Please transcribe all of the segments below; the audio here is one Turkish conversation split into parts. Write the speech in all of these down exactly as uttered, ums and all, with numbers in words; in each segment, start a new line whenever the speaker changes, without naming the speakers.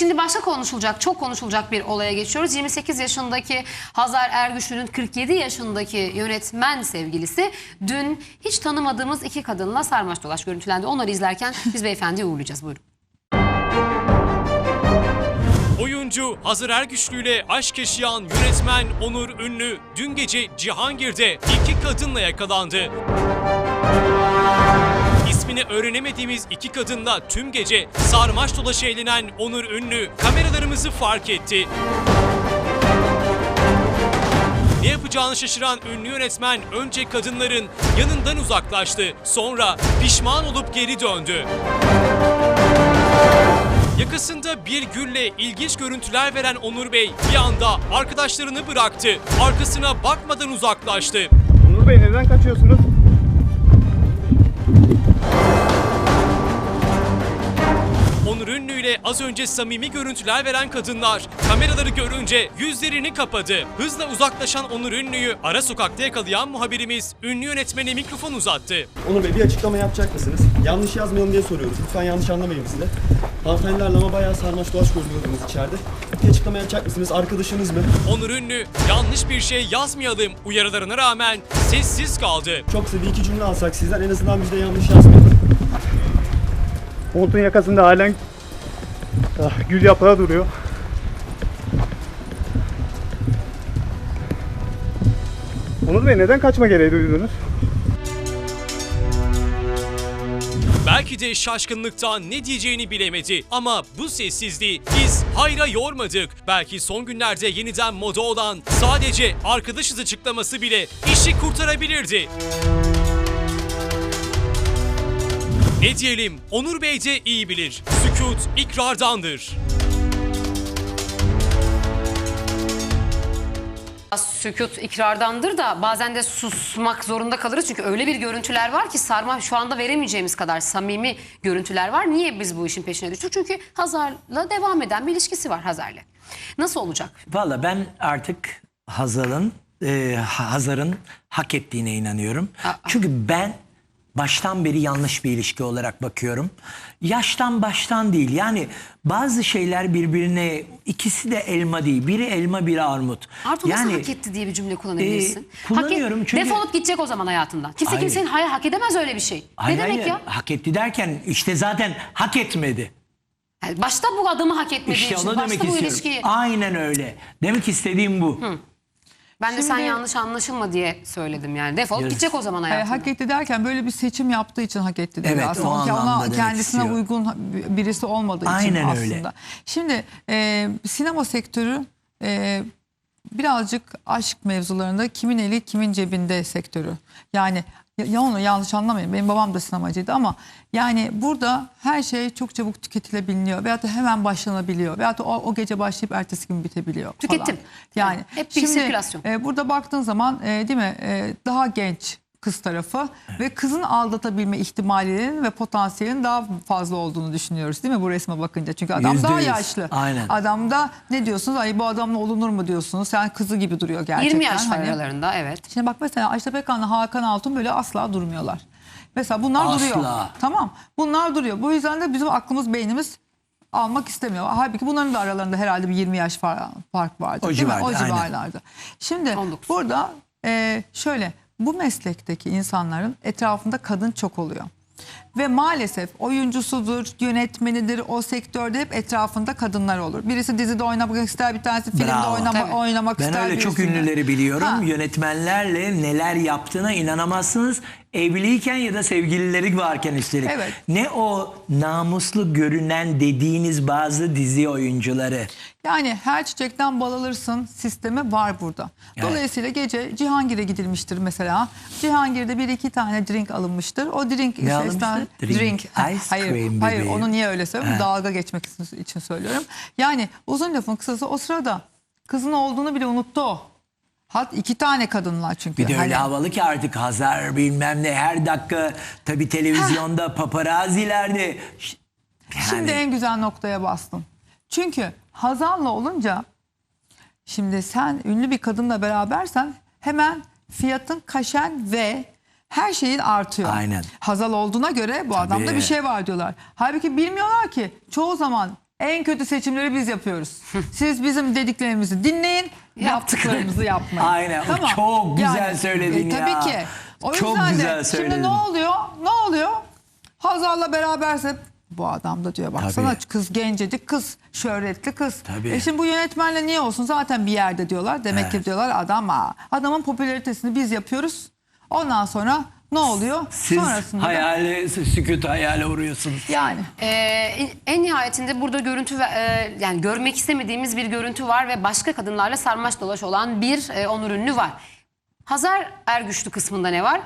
Şimdi başka konuşulacak, çok konuşulacak bir olaya geçiyoruz. yirmi sekiz yaşındaki Hazar Ergüçlü'nün kırk yedi yaşındaki yönetmen sevgilisi dün hiç tanımadığımız iki kadınla sarmaş dolaş görüntülendi. Onları izlerken biz beyefendiyi uğurlayacağız. Buyurun.
Oyuncu Hazar Ergüçlü ile aşk yaşayan yönetmen Onur Ünlü dün gece Cihangir'de iki kadınla yakalandı. İsmini öğrenemediğimiz iki kadınla tüm gece sarmaş dolaş eğlenen Onur Ünlü kameralarımızı fark etti. Ne yapacağını şaşıran ünlü yönetmen önce kadınların yanından uzaklaştı. Sonra pişman olup geri döndü. Yakasında bir gülle ilginç görüntüler veren Onur Bey bir anda arkadaşlarını bıraktı. Arkasına bakmadan uzaklaştı.
Onur Bey neden kaçıyorsunuz?
Onur Ünlü ile az önce samimi görüntüler veren kadınlar kameraları görünce yüzlerini kapadı. Hızla uzaklaşan Onur Ünlü'yü ara sokakta yakalayan muhabirimiz ünlü yönetmene mikrofon uzattı.
Onur Bey bir açıklama yapacak mısınız? Yanlış yazmayalım diye soruyoruz. Lütfen yanlış anlamayın bizi de. Hanımefendilerle ama bayağı sarmaş dolaş görünüyordunuz içeride. Bir açıklama yapacak mısınız? Arkadaşınız mı?
Onur Ünlü yanlış bir şey yazmayalım uyarılarına rağmen sessiz kaldı.
Çok kısa bir iki cümle alsak sizden en azından biz de yanlış yazmayalım.
Montun yakasında halen ah, gül yaprağı duruyor. Onur Bey neden kaçma gereği duydunuz?
Belki de şaşkınlıktan ne diyeceğini bilemedi ama bu sessizliği biz hayra yormadık. Belki son günlerde yeniden moda olan sadece arkadaşız açıklaması bile işi kurtarabilirdi. Ne diyelim, Onur Bey de iyi bilir. Sükût ikrardandır.
Sükût ikrardandır da bazen de susmak zorunda kalırız. Çünkü öyle bir görüntüler var ki sarma şu anda veremeyeceğimiz kadar samimi görüntüler var. Niye biz bu işin peşine düştük? Çünkü Hazar'la devam eden bir ilişkisi var Hazar'la. Nasıl olacak?
Valla ben artık Hazar'ın e, Hazar'ın hak ettiğine inanıyorum.
Aa.
Çünkü ben baştan beri yanlış bir ilişki olarak bakıyorum. Yaştan baştan değil. Yani bazı şeyler birbirine, ikisi de elma değil. Biri elma, biri armut.
Artu
yani,
nasıl hak etti diye bir cümle kullanabilirsin?
E, kullanıyorum
hak et,
çünkü...
Defolup gidecek o zaman hayatından. Kimse
Hayır.
kimsenin hayır hak edemez öyle bir şey.
Hayır,
ne demek
hayır,
ya?
hak etti derken işte zaten hak etmedi.
Yani başta bu adamı hak etmediği
İşte
için,
onu
başta
demek
bu
istiyorum.
ilişkiyi...
Aynen öyle. Demek istediğim bu.
Hı. Ben de sen yanlış anlaşılma diye söyledim yani. Defolup
Yes.
gidecek o zaman
E,
hayatından.
hak etti derken böyle bir seçim yaptığı için hak etti dedi
Evet,
aslında.
o
Ki
anlamda
ona
demek
kendisine
istiyor.
uygun birisi olmadığı için
Aynen
aslında.
öyle.
Şimdi e, sinema sektörü e, birazcık aşk mevzularında kimin eli kimin cebinde sektörü. Yani ya onu yanlış anlamayın. Benim babam da sinemacıydı ama yani burada her şey çok çabuk tüketilebiliyor veyahut da hemen başlanabiliyor veyahut da o, o gece başlayıp ertesi gün bitebiliyor falan.
Tüketim.
Yani
Hep bir sirkülasyon.
e, burada baktığın zaman e, değil mi e, daha genç kız tarafı ve kızın aldatabilme ihtimalinin ve potansiyelinin daha fazla olduğunu düşünüyoruz değil mi bu resme bakınca? Çünkü adam
Yüzde
daha
yüz.
yaşlı.
Aynen.
Adamda ne diyorsunuz? Ay bu adamla olunur mu diyorsunuz? Sen kızı gibi duruyor gerçekten.
yirmi yaş var
Hani-
aralarında, evet.
Şimdi bak mesela Ajda Pekkan'la Hakan Altun böyle asla durmuyorlar. Mesela bunlar
Asla.
duruyor. Tamam. Bunlar duruyor. Bu yüzden de bizim aklımız, beynimiz almak istemiyor. Halbuki bunların da aralarında herhalde bir yirmi yaş far- fark vardı.
O
değil mi?
civarda,
O
aynen.
civarlarda. Şimdi
on dokuz.
burada e, şöyle bu meslekteki insanların etrafında kadın çok oluyor. Ve maalesef oyuncusudur, yönetmenidir, o sektörde hep etrafında kadınlar olur. Birisi dizide oynamak ister, bir tanesi filmde
Bravo.
oynama,
Tabii.
oynamak
Ben
ister.
öyle çok
birisinde.
ünlüleri biliyorum.
Ha.
Yönetmenlerle neler yaptığına inanamazsınız. Evliyken ya da sevgilileri varken üstelik.
Evet.
Ne o namuslu görünen dediğiniz bazı dizi oyuncuları.
Yani her çiçekten bal alırsın sistemi var burada.
Evet.
Dolayısıyla gece Cihangir'e gidilmiştir mesela. Cihangir'de bir iki tane drink alınmıştır. O drink
Ne
sesten
alınmıştır? Drink. Ice
hayır,
cream
hayır
bebeğim.
onu niye öyle söylüyorum?
Ha.
Dalga geçmek için söylüyorum. Yani uzun lafın kısası o sırada kızın olduğunu bile unuttu o. Hat iki tane kadınlar çünkü.
Bir de öyle
Hani-
havalı ki artık Hazar bilmem ne her dakika tabii televizyonda paparazilerde. Ş- Yani,
Şimdi en güzel noktaya bastım. Çünkü Hazal'la olunca şimdi sen ünlü bir kadınla berabersen hemen fiyatın, kaşen ve her şeyin artıyor.
Aynen.
Hazal olduğuna göre bu adamda bir şey var diyorlar. Halbuki bilmiyorlar ki çoğu zaman En kötü seçimleri biz yapıyoruz. Siz bizim dediklerimizi dinleyin, yaptıklarımızı yapmayın.
Aynen, o çok güzel söyledin ya.
Tabii ki. O
Çok
yüzden
güzel
de
söyledin.
şimdi ne oluyor? Ne oluyor? Hazar'la beraberse bu adam da diyor baksana
Tabii.
kız gencecik kız, şöhretli kız.
Tabii.
E şimdi bu yönetmenle niye olsun? Zaten bir yerde diyorlar. Demek
Evet.
ki diyorlar adam aa, adamın popülaritesini biz yapıyoruz. Ondan sonra ne oluyor?
Siz
Sonrasında da-
hayale, sükût hayale uğruyorsunuz.
yani.
Ee, en- en nihayetinde burada görüntü ve, e, yani görmek istemediğimiz bir görüntü var ve başka kadınlarla sarmaş dolaş olan bir e, Onur Ünlü var. Hazar Ergüçlü kısmında ne var?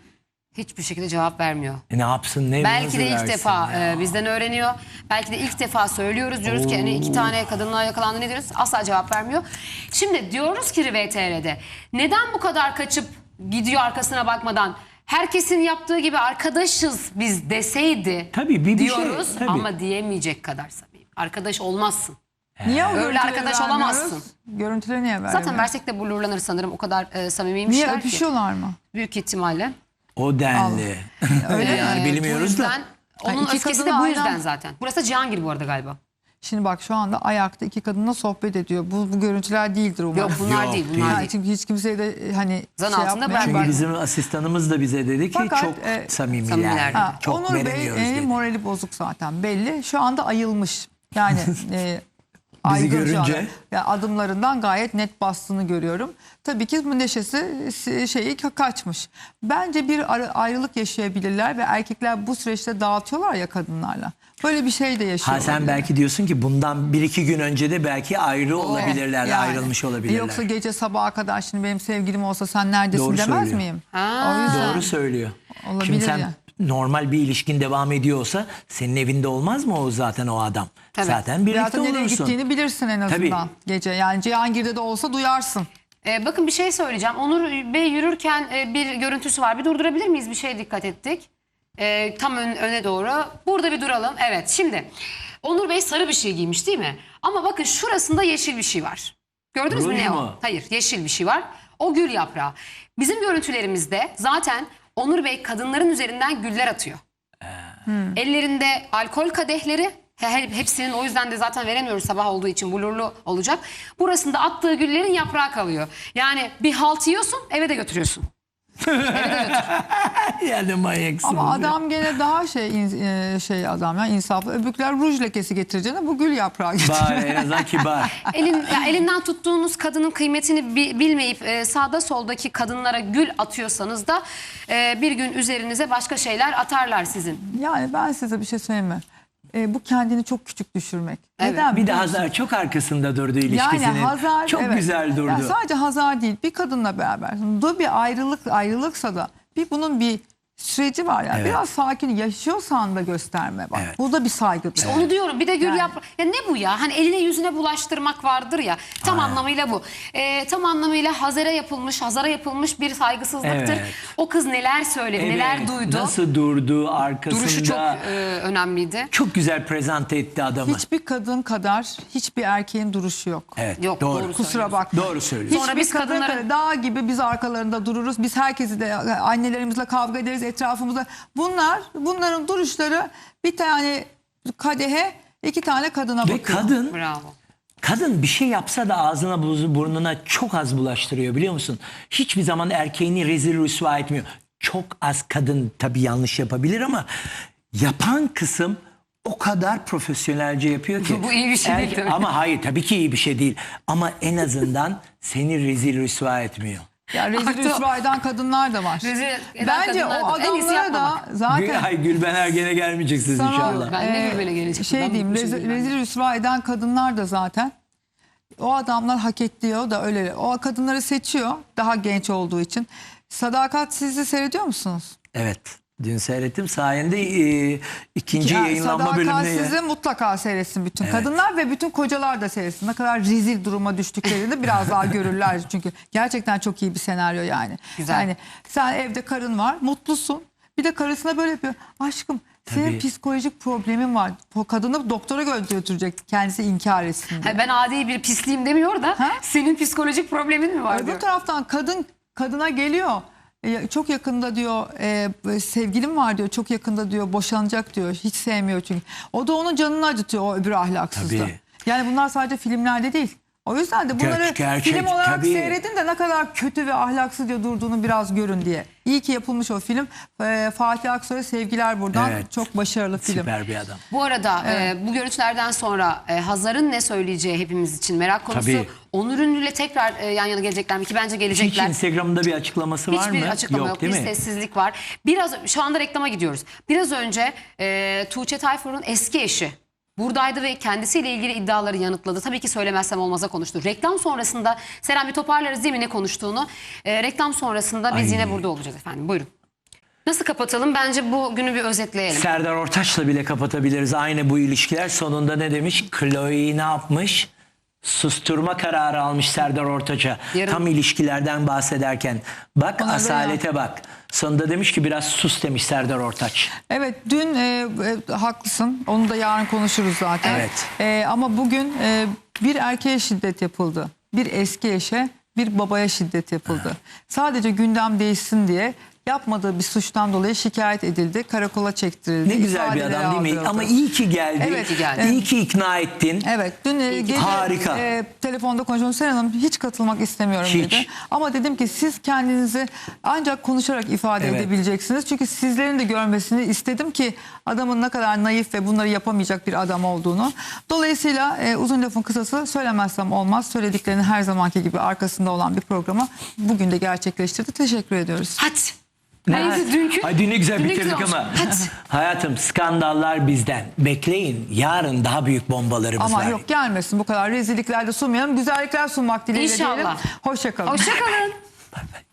Hiçbir şekilde cevap vermiyor.
E ne yapsın, ne
Belki
nasıl
de ilk
versin
defa
ya?
e, bizden öğreniyor. Belki de ilk defa söylüyoruz. Diyoruz ki hani iki tane kadınla yakalandı, ne diyoruz? Asla cevap vermiyor. Şimdi diyoruz ki V T R'de neden bu kadar kaçıp gidiyor arkasına bakmadan? Herkesin yaptığı gibi arkadaşız biz deseydi
Tabii, bir- bir şey,
diyoruz
tabii.
ama diyemeyecek kadar samimi. Arkadaş olmazsın.
Niye o
Öyle
görüntüleri
arkadaş
vermiyoruz?
olamazsın.
Görüntüleri niye vermiyoruz?
Zaten versek de blurlanır sanırım. O kadar e,
Niye
samimiymişler ki.
öpüşüyorlar mı?
Büyük ihtimalle.
O denli.
Öyle
yani
Ee,
bilmiyoruz
bu
da.
yüzden,
Ha,
onun
iki
öfkesi de
kadını
bu
aynı
yüzden
an-
zaten. Burası da Cihangir bu arada galiba.
Şimdi bak şu anda ayakta iki kadınla sohbet ediyor. Bu, bu görüntüler değildir umarım.
Yok bunlar
Yok,
değil.
değil.
Bunlar
Ha,
değil.
çünkü hiç kimseye de e, hani
Zan
şey
altında
yapmaya-
bırakma.
Çünkü
Bak-
bizim asistanımız da bize dedi ki
Fakat,
çok
e,
samimiler.
samimiler.
Ha,
Çok
Onur Bey
veremiyoruz
e,
dedi.
morali bozuk zaten belli. Şu anda ayılmış. Yani e,
Bizi
aygın şu
görünce.
anda. Ya adımlarından gayet net bastığını görüyorum. Tabii ki bu neşesi e, şeyi ka- kaçmış. Bence bir ar- ayrılık yaşayabilirler ve erkekler bu süreçte dağıtıyorlar ya kadınlarla. Böyle bir şey de
Ha
yaşıyorlar.
sen belki diyorsun ki bundan bir iki gün önce de belki ayrı olabilirler,
Yani.
ayrılmış olabilirler.
Yoksa gece sabaha kadar şimdi benim sevgilim olsa sen neredesin
Doğru
demez
söylüyor.
miyim?
Ha.
O yüzden.
Doğru söylüyor.
Olabilir
Şimdi sen
ya.
normal bir ilişkin devam ediyorsa senin evinde olmaz mı o zaten o adam?
Tabii.
Zaten birlikte
Zaten nereye
olursun.
gittiğini bilirsin en azından
Tabii.
gece. Yani Cihangir'de de olsa duyarsın.
Ee, bakın bir şey söyleyeceğim. Onur Bey yürürken e, bir görüntüsü var. Bir durdurabilir miyiz? Bir şeye dikkat ettik. Ee, tam ön- öne doğru. Burada bir duralım. Evet şimdi. Onur Bey sarı bir şey giymiş değil mi? Ama bakın şurasında yeşil bir şey var. Gördünüz mü
Ruj
ne o?
mu?
Hayır, yeşil bir şey var. O gül yaprağı. Bizim görüntülerimizde zaten Onur Bey kadınların üzerinden güller atıyor. Ellerinde alkol kadehleri. he- he- Hepsinin, o yüzden de zaten veremiyoruz sabah olduğu için blurlu olacak. Burasında attığı güllerin yaprağı kalıyor. Yani bir halt yiyorsun, eve de götürüyorsun.
Yani manyaksın.
Ama adam gene daha şey in- e, şey adam ya insaflı. Öbürküler ruj lekesi getireceğine bu gül yaprağı getiriyor.
Bari en azından kibar.
Elin, ya elinden tuttuğunuz kadının kıymetini bi- bilmeyip e, sağda soldaki kadınlara gül atıyorsanız da e, bir gün üzerinize başka şeyler atarlar sizin.
Yani ben size bir şey söyleyeyim mi? E, bu kendini çok küçük düşürmek.
Evet.
Neden?
Bir de
biliyor musun?
Hazar çok arkasında durdu ilişkisinin.
Yani Hazar
çok
evet.
güzel durdu.
Yani sadece Hazar değil bir kadınla beraber. Bu bir ayrılık ayrılıksa da bir bunun bir süreci var yani.
Evet.
Biraz sakin yaşıyorsan da gösterme bak.
Evet.
Bu da bir saygıdır.
Onu diyorum, bir de gül
Yani.
yaprağı. Ya ne bu ya? Hani eline yüzüne bulaştırmak vardır ya. Tam anlamıyla bu. E, tam anlamıyla Hazar'a yapılmış, Hazar'a yapılmış bir saygısızlıktır.
Evet.
O kız neler söyledi,
Evet,
neler duydu.
Nasıl durdu arkasında.
Duruşu çok e, önemliydi.
Çok güzel prezente etti adamı.
Hiçbir kadın kadar hiçbir erkeğin duruşu yok.
Evet,
Yok,
doğru.
doğru.
Kusura bakma.
Doğru söylüyorsun.
Sonra
Hiçbir
biz
kadın
kadınların-
kadar dağ gibi biz arkalarında dururuz. Biz herkesi de annelerimizle kavga ederiz etrafımızda. Bunlar bunların duruşları bir tane kadehe iki tane kadına
Ve
bakıyor.
kadın
Bravo.
Kadın bir şey yapsa da ağzına buzu- burnuna çok az bulaştırıyor biliyor musun? Hiçbir zaman erkeğini rezil rüsva etmiyor. Çok az kadın tabii yanlış yapabilir ama yapan kısım o kadar profesyonelce yapıyor ki.
Bu iyi bir şey değil tabii.
Ama hayır tabii ki iyi bir şey değil. Ama en azından seni rezil rüsva etmiyor.
Ya rezil
Artı-
rüsva eden kadınlar da var.
Rezil eden
Bence o
kadınlar da- en iyisi
adamlara da
yapmamak.
Gül,
zaten
ay Gülben Ergen'e gelmeyeceksiniz
Sana-
inşallah.
Ben de
Ee,
Gülben'e gelecektim.
Şey
Ben
diyeyim
unutmuşum
rezil,
Gülben'i.
rezil rüsva eden kadınlar da zaten o adamlar hak ediyor da öyle. O kadınları seçiyor daha genç olduğu için. Sadakat sizi seyrediyor musunuz?
Evet. Dün seyrettim sayende e, ikinci
Yani
yayınlanma bölümüne.
Sadakatsizi mutlaka seyretsin bütün kadınlar ve bütün kocalar da seyretsin. Ne kadar rezil duruma düştüklerini biraz daha görürler. Çünkü gerçekten çok iyi bir senaryo yani.
Güzel.
Yani sen evde karın var, mutlusun. Bir de karısına böyle yapıyor. Aşkım senin
Tabii.
psikolojik problemin var. O kadını doktora götürecek kendisi inkar etsin diye.
Ha, ben adi bir pisliğim demiyor da
Ha?
senin psikolojik problemin mi var diyor.
Öbür taraftan kadın kadına geliyor. E, çok yakında diyor e, sevgilim var diyor. Çok yakında diyor boşanacak diyor. Hiç sevmiyor çünkü. O da onun canını acıtıyor, o öbür ahlaksızda.
Tabii.
Yani bunlar sadece filmlerde değil. O yüzden de bunları
Ger- gerçek,
film olarak
tabii.
seyredin de ne kadar kötü ve ahlaksız diye durduğunu biraz görün diye. İyi ki yapılmış o film. E, Fatih Aksoy'a sevgiler buradan.
Evet.
Çok başarılı film.
Süper bir adam.
Bu arada e, bu görüntülerden sonra e, Hazar'ın ne söyleyeceği hepimiz için merak konusu.
Tabii.
Onur Ünlü'yle tekrar e, yan yana gelecekler mi ki bence
Hiç
gelecekler.
Instagram'da bir açıklaması var mı?
Hiçbir açıklama yok,
değil
bir
mi?
sessizlik var. Biraz şu anda reklama gidiyoruz. Biraz önce e, Tuğçe Tayfur'un eski eşi buradaydı ve kendisiyle ilgili iddiaları yanıtladı. Tabii ki söylemezsem olmaza konuştu. Reklam sonrasında Seren bir toparlarız değil mi ne konuştuğunu. E, reklam sonrasında biz
Ay.
yine burada olacağız efendim. Buyurun. Nasıl kapatalım? Bence bu günü bir özetleyelim.
Serdar Ortaç'la bile kapatabiliriz aynı bu ilişkiler. Sonunda ne demiş? Chloe ne yapmış? Susturma kararı almış Serdar Ortaç'a.
Yarın-
Tam ilişkilerden bahsederken. Bak
Ona da
asalete bak. Sonunda demiş ki biraz sus demiş Serdar Ortaç.
Evet dün e, e, haklısın. Onu da yarın konuşuruz zaten.
Evet.
E, ama bugün e, bir erkeğe şiddet yapıldı. Bir eski eşe, bir babaya şiddet yapıldı. Sadece gündem değişsin diye yapmadığı bir suçtan dolayı şikayet edildi. Karakola çektirildi.
Ne güzel bir
ifadeleri
adam değil mi?
aldırıldı.
Ama iyi ki geldi.
Evet,
iyi geldi.
İyi ki ikna ettin.
Evet dün e, gece
Harika.
e, telefonda konuşuyorum. Seren Hanım hiç katılmak istemiyorum
Hiç.
dedi. Ama dedim ki siz kendinizi ancak konuşarak ifade
Evet.
edebileceksiniz. Çünkü sizlerin de görmesini istedim ki adamın ne kadar naif ve bunları yapamayacak bir adam olduğunu. Dolayısıyla e, uzun lafın kısası söylemezsem olmaz. Söylediklerinin her zamanki gibi arkasında olan bir programı bugün de gerçekleştirdi. Teşekkür ediyoruz.
Hadi.
Ne?
Hayır, dünkü-
Ay, dün ne güzel
dün ne
bitirdik
güzel
ama.
olmuş. Hadi.
Hayatım skandallar bizden. Bekleyin yarın daha büyük bombalarımız
Ama
var.
yok gelmesin bu kadar rezillikler de sunmayalım. Güzellikler sunmak dileğiyle
İnşallah.
diyelim. Hoşça kalın.
Hoşça kalın.
Bay bay.